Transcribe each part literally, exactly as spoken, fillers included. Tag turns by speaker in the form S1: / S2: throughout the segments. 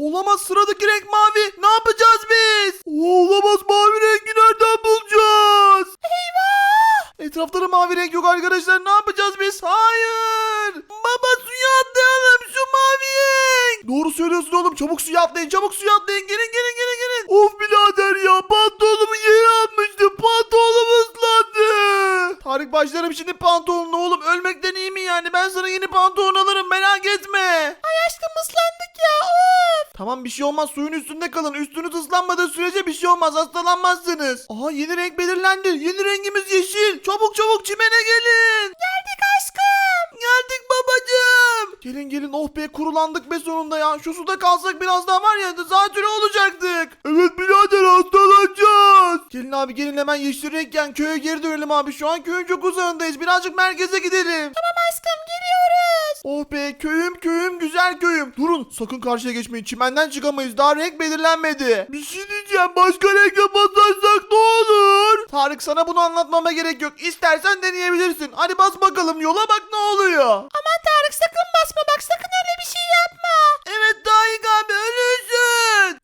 S1: Olamaz, sıradaki renk mavi. Ne yapacağız biz? Olamaz, mavi rengi nereden bulacağız? Eyvah! Etrafta da mavi renk yok arkadaşlar. Ne yapacağız biz? Hayır. Baba, suya atlayalım şu mavi renk. Doğru söylüyorsun oğlum. Çabuk suya atlayın. Çabuk suya atlayın. Gelin gelin gelin gelin. Of birader ya. Pantolonumu yere atmıştım. Pantolonum ıslandı. Tarık, başlarım şimdi pantolonuna oğlum. Ölmekten iyi mi yani? Ben sana yeni pantolon alırım. Merak etme. Ay aşkım, ıslandık ya. Of. Tamam, bir şey olmaz. Suyun üstünde kalın. Üstünüz ıslanmadığı sürece bir şey olmaz. Hastalanmazsınız. Aha, yeni renk belirlendi. Yeni rengimiz yeşil. Çabuk çabuk çimene gelin. Geldik aşkım. Geldik babacığım. Gelin gelin, oh be, kurulandık be sonunda ya. Şu suda kalsak biraz daha var ya, zatürre olacaktık. Evet birader, hastalanacağız. Gelin abi gelin, hemen yeşil renkken köye geri dönelim abi. Şu an köyün çok uzağındayız. Birazcık merkeze gidelim. Tamam aşkım, geliyoruz. Oh be, köyüm köyüm, güzel köyüm. Durun, sakın karşıya geçmeyin. Çimenden çıkamayız. Daha renk belirlenmedi. Bir şey diyeceğim. Başka renk basarsak ne olur? Tarık, sana bunu anlatmama gerek yok. İstersen deneyebilirsin. Hadi bas bakalım yola, bak ne oluyor. Aman Tarık, sakın basma bak, sakın öyle bir şey yapma. Evet Tarık abi, ölürsün.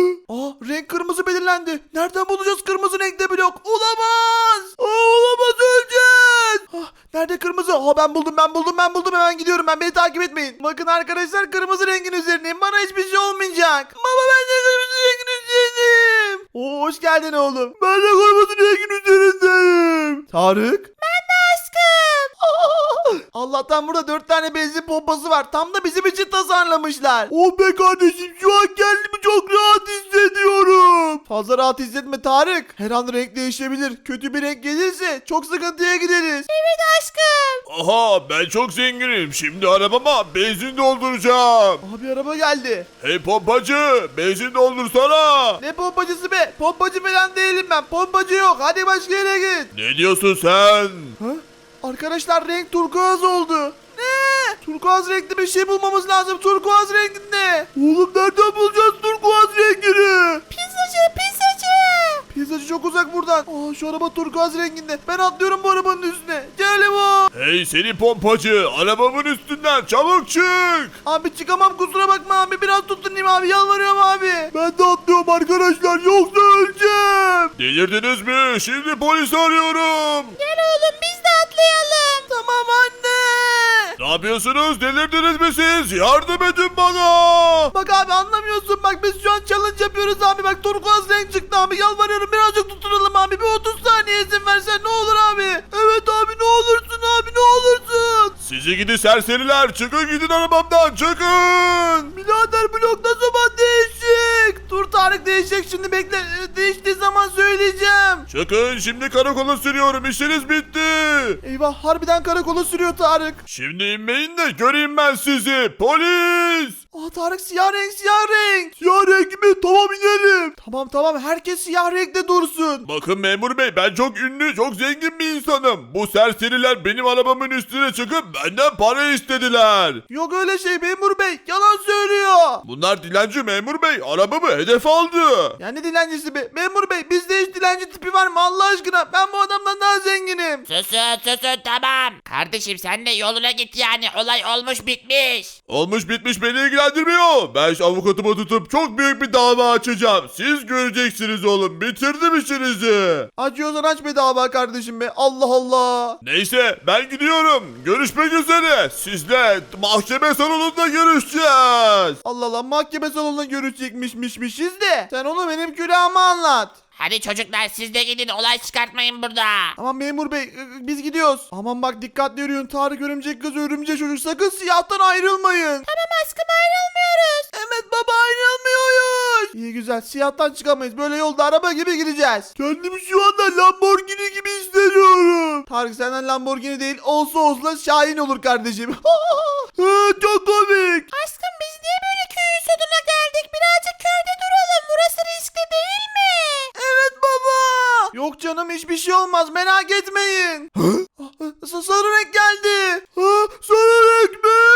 S1: Aa, renk kırmızı belirlendi. Nereden bulacağız kırmızı renkte blok? Olamaz. Aa, olamaz, öleceğiz. Ah, nerede kırmızı? Aa, ben buldum ben buldum ben buldum, hemen gidiyorum ben, beni takip etmeyin. Bakın arkadaşlar, kırmızı rengin üzerindeyim. Bana hiçbir şey olmayacak. Baba, ben de kırmızı rengin üzerindeyim. Oo, hoş geldin oğlum. Ben de kırmızı rengin üzerindeyim. Tarık. Ben de aşkım. Allah'tan burada dört tane benzin pompası var. Tam da bizim için tasarlamışlar. Oh be kardeşim, şu an kendimi çok rahat hissediyorum. Fazla rahat hissetme Tarık. Her an renk değişebilir. Kötü bir renk gelirse çok sıkıntıya gideriz. Evet aşkım.
S2: Aha, ben çok zenginim. Şimdi arabama benzin dolduracağım.
S1: Abi, araba geldi.
S2: Hey pompacı, benzin doldursana.
S1: Ne pompacısı be? Pompacı falan değilim ben. Pompacı yok. Hadi başka yere git.
S2: Ne diyorsun sen?
S1: Ha? Arkadaşlar, renk turkuaz oldu. Ne? Turkuaz renkli bir şey bulmamız lazım. Turkuaz renginde. Oğlum, nereden bulacağız turkuaz rengini? Pizzacı, pizzacı. Pizzacı çok uzak buradan. Aa, şu araba turkuaz renginde. Ben atlıyorum bu arabanın üstüne. Gel bu.
S2: Hey seni pompacı, arabamın üstünden çabuk çık.
S1: Abi çıkamam, kusura bakma abi. Biraz tutunayım abi, yalvarıyorum abi. Ben de atlıyorum arkadaşlar, yoksa öleceğim.
S2: Delirdiniz mi? Şimdi polis arıyorum.
S1: Gel oğlum, biz de atlayalım. Tamam anne.
S2: Ne yapıyorsunuz? Delirdiniz mi siz? Yardım edin bana.
S1: Bak abi, anlamıyorsun. Bak biz şu an challenge yapıyoruz abi. Bak turkuaz renk çıktı abi. Yalvarıyorum, birazcık tutunalım abi. Bir otuz saniye izin versen ne olur abi. Evet abi, ne olursun abi, ne olursun.
S2: Sizi gidi serseriler, çıkın gidin arabamdan, çıkın.
S1: Birader, blok ne zaman değişecek? Dur Tarık, değişecek şimdi, bekle. Ee, Değiştiği zaman söyleyeceğim.
S2: Çıkın, şimdi karakola sürüyorum, işiniz bitti.
S1: Eyvah, harbiden karakola sürüyor Tarık.
S2: Şimdi inmeyin de göreyim ben sizi, polis.
S1: Aa Tarık, siyah renk, siyah renk. Siyah renk mi? Tamam, inelim. Tamam tamam, herkes siyah renkte dursun.
S2: Bakın memur bey, ben çok ünlü, çok zengin bir insanım. Bu serseriler benim arabamın üstüne çıkıp benden para istediler.
S1: Yok öyle şey memur bey, yalan söylüyor.
S2: Bunlar dilenci memur bey, arabamı hedef aldı.
S1: Yani dilencisi be? Memur bey, bizde hiç dilenci tipi var mı Allah aşkına? Ben bu adamdan daha zenginim.
S3: Susun susun, tamam. Kardeşim sen de yoluna git yani, olay olmuş bitmiş.
S2: Olmuş bitmiş beni ilgilendirmiyor. Ben şu avukatımı tutup çok büyük bir dava açacağım. Siz göreceksiniz oğlum, bitirdim işinizi.
S1: Acıyorsan aç be dava kardeşim be, Allah Allah.
S2: Neyse, ben gidiyorum. Görüşmek üzere. Sizle mahkeme salonunda görüşeceğiz.
S1: Allah Allah, mahkeme salonunda görüşecekmişmişmişiz de. Sen onu benim külahıma anlat.
S3: Hadi çocuklar, siz de gidin, olay çıkartmayın burada.
S1: Aman memur bey, ı- biz gidiyoruz. Aman bak, dikkatli yürüyün. Tarık örümcek kız, örümcek çocuk, sakın siyahtan ayrılmayın. Tamam aşkım, ayrılmıyoruz. Evet baba, ayrılmıyoruz. İyi güzel, siyahtan çıkamayız. Böyle yolda araba gibi gideceğiz. Kendimi şu anda Lamborghini gibi hissediyorum. Tarık, senden Lamborghini değil, olsa olsa Şahin olur kardeşim. Çok komik. Aşkım, biz niye böyle köyün sonuna geldik? Birazcık köyde duralım. Burası riskli değil mi? Evet baba. Yok canım, hiçbir şey olmaz, merak etmeyin. S- Sarı renk geldi. Ha, sarı renk mi?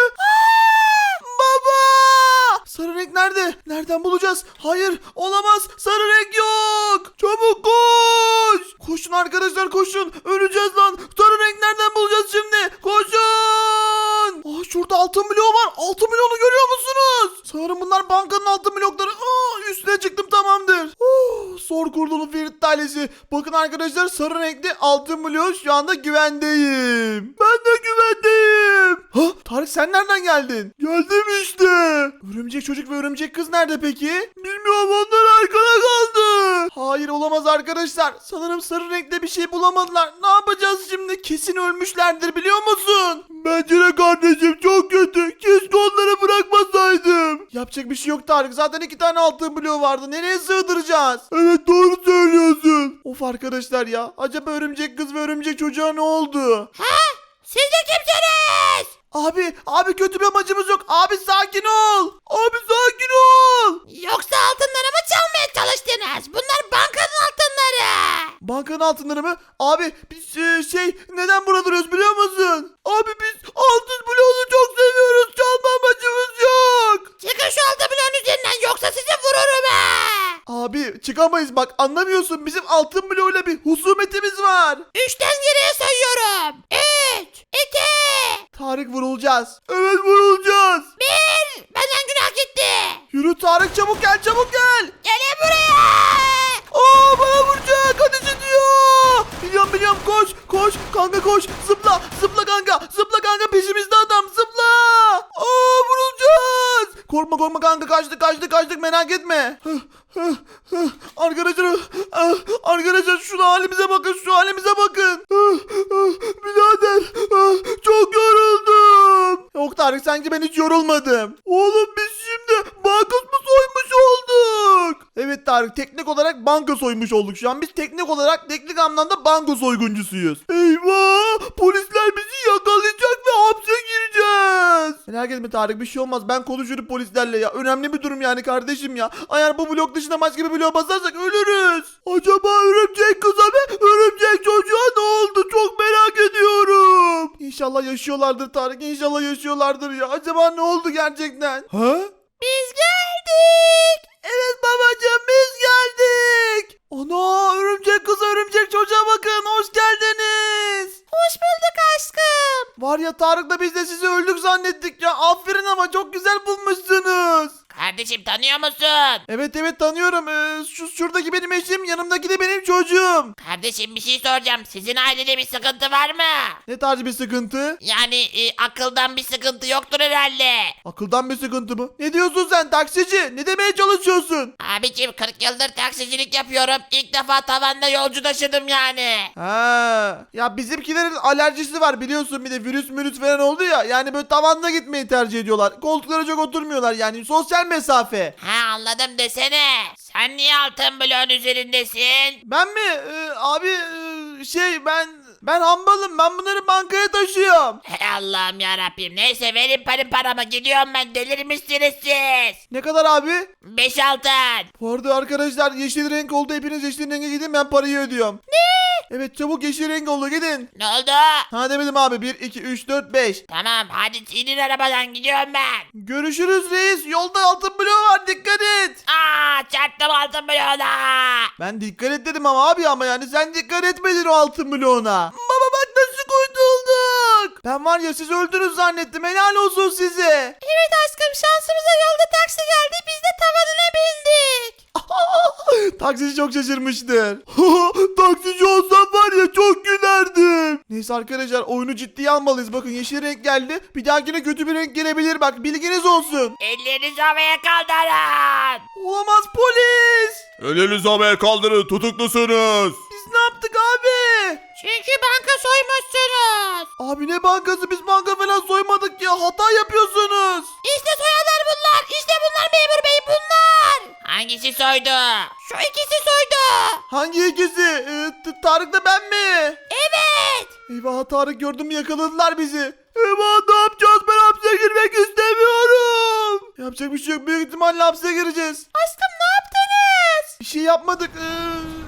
S1: Baba. Sarı renk nerede? Nereden bulacağız? Hayır, olamaz. Sarı renk yok. Çabuk koş. Koşun arkadaşlar, koşun. Öleceğiz lan. Sarı renk nereden bulacağız şimdi? Koşun. Aa, şurada altın bloğu var. Altın bloğunu görüyor musunuz? Sanırım bunlar bankanın altın blokları. Aa, üstüne çıktım, tamamdır. Oh, zor kurtuldu Ferit ailesi. Bakın arkadaşlar, sarı renkli altın bloğu, şu anda güvendeyim. Ben de güvendeyim. Ha, Tarık sen nereden geldin? Geldim işte. Örümcek çocuk ve örümcek kız nerede peki? Bilmiyorum, onlar arkada kaldı. Hayır, olamaz arkadaşlar. Sanırım sarı renkte bir şey bulamadılar. Ne yapacağız şimdi? Kesin ölmüşlerdir, biliyor musun? Bence de kardeşim, çok kötü. Keşke onları bırakmasaydım. Yapacak bir şey yok Tarık. Zaten iki tane altın bloğu vardı. Nereye sığdıracağız? Evet, doğru söylüyorsun. Of arkadaşlar ya. Acaba örümcek kız ve örümcek çocuğa ne oldu?
S3: Siz de kimsiniz?
S1: Abi, abi kötü bir amacımız yok. Abi sakin ol. Abi sakin ol.
S3: Yoksa altınlarımı çalmaya çalıştınız. Bunlar bankanın altınları.
S1: Bankanın altınları mı? Abi biz e, şey neden burada duruyoruz biliyor musun? Abi biz altın bloğunu çok seviyoruz. Çalma amacımız yok.
S3: Çıkın şu altın bloğun üzerinden yoksa sizi vururum ha.
S1: Abi çıkamayız, bak anlamıyorsun. Bizim altın bloğuyla bir husumetimiz var.
S3: Üçten geriye sayıyorum. Üç, iki,
S1: Tarık, vurulacağız. Evet, vurulacağız.
S3: bir. Benden günah gitti.
S1: Yürü Tarık, çabuk gel, çabuk gel.
S3: Gelin buraya.
S1: Aa, bana vuracak, ateş ediyor. Biliyorum biliyorum, koş koş kanka, koş, zıpla zıpla kanka, zıpla kanka, peşimizde adam, zıpla. Aa, vurulacağız. Korkma korkma kanka, kaçtık kaçtık kaçtık, merak etme. Arkadaşlar, arkadaşlar şu halimize bakın, şu halimize bakın. Birader, çok yoruldum. Yok Tarık, sanki ben hiç yorulmadım. Oğlum biz şimdi banka mı soymuş olduk? Evet Tarık, teknik olarak banka soymuş olduk şu an. Biz teknik olarak, teknik anlamda banka soyguncusuyuz. Eyvah, polisler bizi yakalayacak ve hapse gireceğiz. Merak etme Tarık, bir şey olmaz. Ben konuşurum polislerle ya. Önemli bir durum yani kardeşim ya. Eğer bu blok dışında başka bir bloğa basarsak ölürüz. Acaba örümcek kıza ve örümcek çocuğa ne oldu? Çok merak ediyorum. İnşallah yaşıyorlardır Tarık. İnşallah yaşıyorlardır ya. Acaba ne oldu gerçekten? Ha?
S3: Biz geldik.
S1: Evet babacığım, biz geldik. Ana, örümcek kız, örümcek çocuğa bakın. Hoş geldiniz.
S3: Hoş bulduk aşkım.
S1: Var ya Tarık'la biz de sizi öldük zannettik ya. Aferin, ama çok güzel bulmuşsunuz.
S3: Kardeşim tanıyor musun?
S1: Evet evet tanıyorum. Ee, şu şuradaki benim eşim, yanımdaki de benim çocuğum.
S3: Kardeşim bir şey soracağım. Sizin ailede bir sıkıntı var mı?
S1: Ne tarz bir sıkıntı?
S3: Yani e, akıldan bir sıkıntı yoktur herhalde.
S1: Akıldan bir sıkıntı mı? Ne diyorsun sen taksici? Ne demeye çalışıyorsun?
S3: Abicim kırk yıldır taksicilik yapıyorum. İlk defa tavanda yolcu taşıdım yani.
S1: Ha, ya bizimkilerin alerjisi var biliyorsun, bir de virüs mürüs falan oldu ya. Yani böyle tavanda gitmeyi tercih ediyorlar. Koltuklara çok oturmuyorlar, yani sosyal mesafe.
S3: Ha anladım desene. Sen niye altın bloğun üzerindesin?
S1: Ben mi? Ee, abi e, şey ben ben hambalım. Ben bunları bankaya taşıyorum.
S3: Hey Allah'ım yarabbim. Neyse verin param paramı, gidiyorum ben, delirmişsiniz siz.
S1: Ne kadar abi?
S3: Beş altın.
S1: Bu arada arkadaşlar, yeşil renk oldu. Hepiniz yeşil renge gidin, ben parayı ödüyorum. Ne? Evet, çabuk yeşil renk oldu, gidin.
S3: Ne oldu?
S1: Ha demedim abi. bir, iki, üç, dört, beş.
S3: Tamam hadi inin arabadan, gidiyorum ben.
S1: Görüşürüz reis. Yolda altın bloğu var, dikkat et.
S3: Aa çarptım altın bloğuna.
S1: Ben dikkat et dedim ama abi, ama yani sen dikkat etmedin o altın bloğuna. Baba bak nasıl kurtulduk. Ben var ya, siz öldünüz zannettim. Helal olsun size.
S3: Evet aşkım, şansımıza yolda taksi geldi, biz de tavanına bindik.
S1: Taksici çok şaşırmıştır. Taksici olsam var ya, çok gülerdim. Neyse arkadaşlar, oyunu ciddiye almalıyız. Bakın yeşil renk geldi. Bir dahakine kötü bir renk gelebilir, bak bilginiz olsun.
S3: Ellerinizi havaya kaldırın.
S1: Olamaz, polis.
S2: Elinizi havaya kaldırın, tutuklusunuz.
S1: Biz ne yaptık abi?
S3: Çünkü banka soymuşsunuz.
S1: Abi ne bankası, biz banka falan soymadık ya, hata yapıyorsunuz.
S3: İşte soyanlar bunlar. İşte bunlar memur bey, bunlar. Hangisi soydu? Şu ikisi soydu.
S1: Hangi ikisi? Ee, T- Tarık da ben mi?
S3: Evet.
S1: Eyvah, Tarık gördün mü, yakaladılar bizi. Eyvah, ne yapacağız, ben hapse girmek istemiyorum. Yapacak bir şey yok, büyük ihtimalle hapse gireceğiz.
S3: Aşkım ne yaptınız?
S1: Bir şey yapmadık. Ee...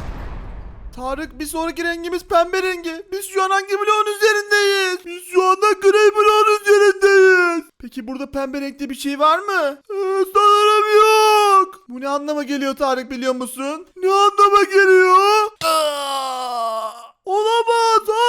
S1: Tarık, bir sonraki rengimiz pembe rengi. Biz şu an hangi bloğun üzerindeyiz? Biz şu anda gri bloğun üzerindeyiz. Peki burada pembe renkte bir şey var mı? Ee, sanırım yok. Bu ne anlama geliyor Tarık, biliyor musun? Ne anlama geliyor? Olamaz.